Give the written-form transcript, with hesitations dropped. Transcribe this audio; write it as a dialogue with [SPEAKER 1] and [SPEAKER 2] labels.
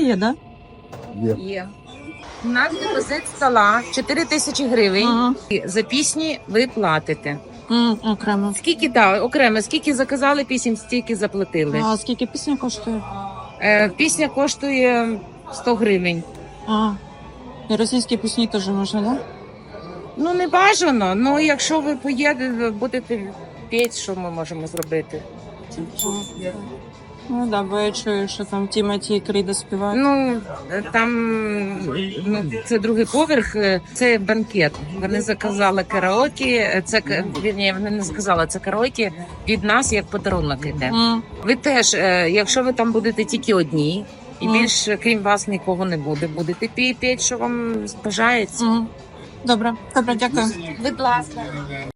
[SPEAKER 1] є, да?
[SPEAKER 2] Є. У нас депозит стола 4 тисячі гривень.
[SPEAKER 1] Ага.
[SPEAKER 2] І за пісні ви платите.
[SPEAKER 1] Окремо.
[SPEAKER 2] Скільки, так, окремо, скільки заказали пісень, стільки заплатили.
[SPEAKER 1] А скільки пісня коштує?
[SPEAKER 2] Пісня коштує 100 гривень.
[SPEAKER 1] І російські пісні теж можна, да?
[SPEAKER 2] Ну, не бажано, ну якщо ви поїдете, будете піти, що ми можемо зробити?
[SPEAKER 1] Ну да, бо я чую, що там Тімоті і Кріда співають.
[SPEAKER 2] Ну, там це другий поверх, це банкет. Вони заказали караоке, вірні, вони не сказали, це караоке від нас як подарунок іде. Ви теж, якщо ви там будете тільки одні, і більше, крім вас, нікого не буде, будете піти, що вам бажається.
[SPEAKER 1] Добре, дякую.
[SPEAKER 2] Будь ласка.